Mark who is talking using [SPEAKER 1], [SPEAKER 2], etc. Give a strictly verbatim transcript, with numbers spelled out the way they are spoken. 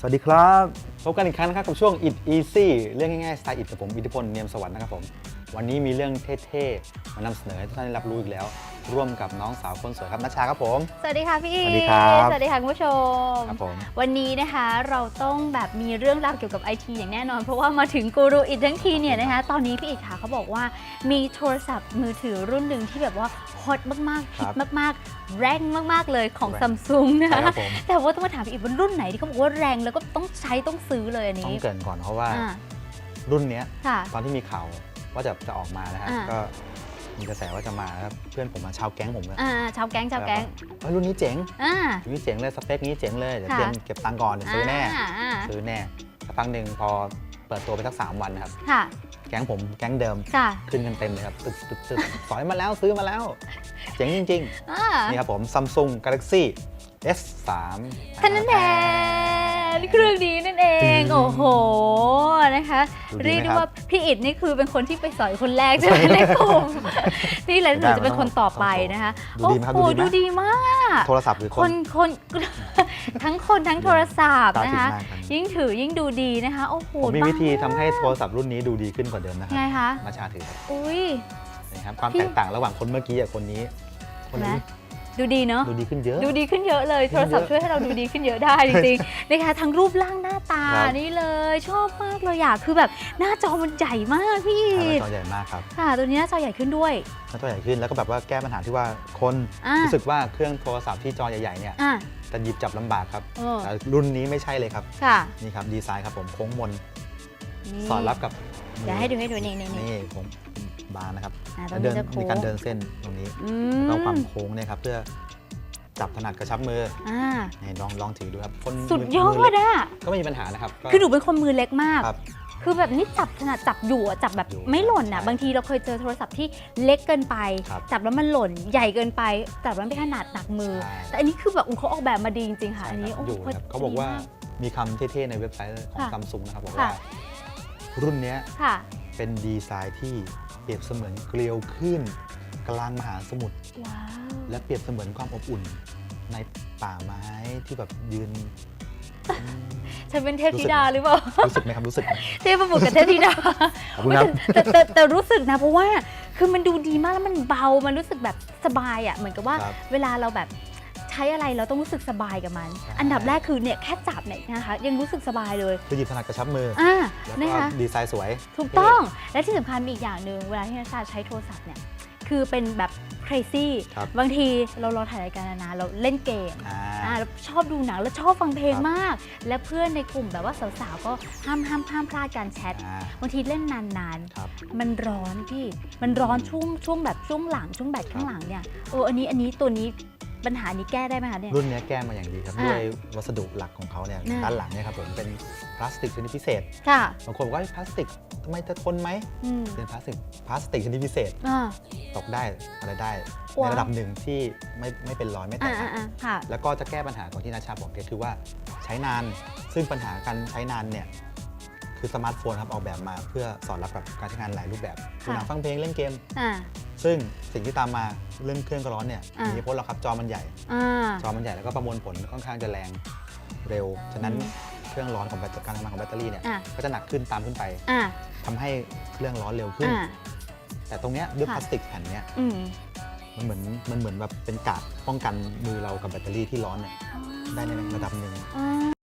[SPEAKER 1] สวัสดีครับพบกันอีกครั้งนะครับกับช่วง It Easy เรื่องง่ายๆสไตล์อิทกับผมอิทธิพลเนียมสวัสดิ์นะครับผมวันนี้มีเรื่องเท่ๆมานำเสนอให้ทุกท่านได้รับรู้อีกแล้วร่วมกับน้องสาวคนสวยครับณชชาครับผม
[SPEAKER 2] สวัสดีค่ะพี่อี
[SPEAKER 1] สวัสดีครับ
[SPEAKER 2] สวัสดีค่ะคุณผู้ชม
[SPEAKER 1] ครับผม
[SPEAKER 2] วันนี้นะคะเราต้องแบบมีเรื่องราวเกี่ยวกับไอทีอย่างแน่นอนเพราะว่ามาถึงกูรูอิททั้งทีเนี่ยนะคะตอนนี้พี่อีกค่ะเขาบอกว่ามีโทรศัพท์มือถือรุ่นหนึ่งที่แบบว่าฮอตมากๆฮิตมากๆแรงมากๆเลยของซัมซุงนะคะแต่ว่าต้องมาถามพี่อีกว่ารุ่นไหนที่เขาบอกว่าแรงแล้วก็ต้องใช้ต้องซื้อเลยอันนี้
[SPEAKER 1] ต้องเกริ่นก่อนเพราะว่ารุ่นนี้ตอนที่มีข่าวว่าจะจะออกมานะฮะก็มีกระแสว่าจะมาครับเพื่อนผมมาชาวแก๊งผมเลย
[SPEAKER 2] อ่าชาวแก๊งชาวแก๊ง
[SPEAKER 1] รุ่นนี้เจ๋ง
[SPEAKER 2] อ่า
[SPEAKER 1] รุ่นนี้เจ๋งเลยสเปคนี้เจ๋งเลยเดี๋ยวเตรียมเก็บตังค์ก่อนเดี๋ยวซื้อแน่ซื้อแน่สักพักหนึ่งพอเปิดตัวไปสักสามวันนะครับแก๊งผมแก๊งเดิมขึ้นกันเต็มเลยครับตึ๊ดตึ๊ดตึ๊ดสอยมาแล้วซื้อมาแล้วเจ๋งจริงๆนี่ครับผม Samsung Galaxy เอส สาม
[SPEAKER 2] ท่านนั้นแทนเครื่องนี้นั่นเองโอ้โหนะคะเรียกได้ว่าพี่อิดนี่คือเป็นคนที่ไปสอยคนแรกใช่ไหมในกลุ่มนี่แหละหนูจะเป็นคนต่อไปนะคะโอ้โหดูดีมาก
[SPEAKER 1] โทรศัพท์หรือ
[SPEAKER 2] คนคนทั้งคนทั้งโทรศัพท์นะคะยิ่งถือยิ่งดูดีนะคะโอ้โห
[SPEAKER 1] ผมมีวิธีทำให้โทรศัพท์รุ่นนี้ดูดีขึ้นกว่าเดิมนะครับ
[SPEAKER 2] ไงคะ
[SPEAKER 1] มาชาถือครับ
[SPEAKER 2] อุ้ย
[SPEAKER 1] นะครับความแตกต่างระหว่างคนเมื่อกี้กับคนนี้คนนี้
[SPEAKER 2] ดูดีเนาะ
[SPEAKER 1] ดูดีขึ้นเยอะ
[SPEAKER 2] ดูดีขึ้นเยอะเลยโทรศัพท์ช่วยให้เราดูดีขึ้นเยอะได้จริงๆนะคะทั้งรูปร่างหน้าตานี่เลยชอบมากเลยอยากคือแบบหน้าจอมันใหญ่มากพี่
[SPEAKER 1] หน้าจอใหญ่มากครับ
[SPEAKER 2] ค่ะตัวนี้หน้าจอใหญ่ขึ้นด้วย
[SPEAKER 1] หน้าจอใหญ่ขึ้นแล้วก็แบบว่าแก้ปัญหาที่ว่าคนรู้สึกว่าเครื่องโทรศัพท์ที่จอใหญ่ๆเนี่ยจะหยิบจับลำบากครับแต่รุ่นนี้ไม่ใช่เลยครับนี่ครับดีไซน์ครับผมโค้งมนสอดรับกับ
[SPEAKER 2] เดี๋ยวให้ดูให้ดูนี่
[SPEAKER 1] นี่ผมบานนะครับเดินมีการเดินเส้นตรงนี้แล้วความโค้งเนี่ยครับเพื่อจับถนัดกระชับมือนี่ลองลองถือดูครับคน
[SPEAKER 2] สุดยอดอะ
[SPEAKER 1] ก็ไม่มีปัญหานะครับ
[SPEAKER 2] คือหนูเป็นคนมือเล็กมากคือแบบนี้จับถนัดจับอยู่จับแบบไม่หล่นอ่ะบางทีเราเคยเจอโทรศัพท์ที่เล็กเกินไปจับแล้วมันหล่นใหญ่เกินไปจับแล้วไม่ถนัดหนักมือแต่อันนี้คือแบบเขาออกแบบมาดีจริงๆค่ะอันนี้
[SPEAKER 1] เขาบอกว่ามีคำเท่ๆในเว็บไซต์ของซัมซุงนะครับบอกว่ารุ่นนี้เป็นดีไซน์ที่เปรียบเสมือนเกลียวขึ้นกลางมหาสมุทรและเปรียบเสมือนความอบอุ่นในป่าไม้ที่แบบยืน
[SPEAKER 2] ฉันเป็นเทพธิดาหรือเปล่า
[SPEAKER 1] รู้สึกไหมครับรู้สึก
[SPEAKER 2] เทพบุตรกับเทพธิดาแต่แต่แต่รู้สึกนะเพราะว่าคือมันดูดีมากแล้วมันเบามันรู้สึกแบบสบายอ่ะเหมือนกับว่าเวลาเราแบบใช้อะไรเราต้องรู้สึกสบายกับมันอันดับแรกคือเนี่ยแค่จับเนี่ยนะคะยังรู้สึกสบายเลย
[SPEAKER 1] คือหยิบถนัดกระชับมือ
[SPEAKER 2] อ่า
[SPEAKER 1] นะคะดีไซน์สวย
[SPEAKER 2] ถูกต้องและที่สำคัญมีอีกอย่างหนึ่งเวลาที่นักศึกษาใช้โทรศัพท์เนี่ยคือเป็นแบบ crazy บางทีเราเราถ่ายรายการนานๆเราเล่นเกมเราชอบดูหนังแล้วชอบฟังเพลงมากและเพื่อนในกลุ่มแบบว่าสาวๆก็ห้ามห้ามห้ามพลาดการแชทบางทีเล่นนานๆมันร้อนพี่มันร้อนช่วงช่วงแบบช่วงหลังช่วงแบตข้างหลังเนี่ยเอออันนี้อันนี้ตัวนี้ปัญหานี้แก้ได้ไหมคะเนี่ย
[SPEAKER 1] รุ่นนี้แก้มาอย่างดีครับด้วยวัสดุหลักของเขาเนี่ยด้านหลังเนี่ยครับผมเป็นพลาสติกชนิดพิเศษบางคนบอกว่าพลาสติกทำไมจะทนไหมเป็นพลาสติกพลาสติกชนิดพิเศษตกได้อะไรได้ในระดับหนึ่งที่ไม่ไม่เป็นรอยไม่แตกแล้วก็จะแก้ปัญหาของที่นาชาบอกก็คือว่าใช้นานซึ่งปัญหาการใช้นานเนี่ยคือสมาร์ทโฟนครับออกแบบมาเพื่อสอดรับกับการใช้งานหลายรูปแบบดูหนังฟังเพลงเล่นเกมซึ่งสิ่งที่ตามมาเรื่องเครื่องก็ร้อนเนี่ยมีผลหรอกครับจอมันใหญ่จอมันใหญ่แล้วก็ประมวลผลค่อนข้างจะแรงเร็วฉะนั้นเครื่องร้อนของการทำงานของแบตเตอรี่เนี่ยก็จะหนักขึ้นตามขึ้นไปทำให้เครื่องร้อนเร็วขึ้นแต่ตรงเนี้ยด้วยพลาสติกแผ่นเนี้ยมันเหมือนมันเหมือนแบบเป็นกาดป้องกันมือเรากับแบตเตอรี่ที่ร้อนเนี่ยได้ในระดับหนึ่ง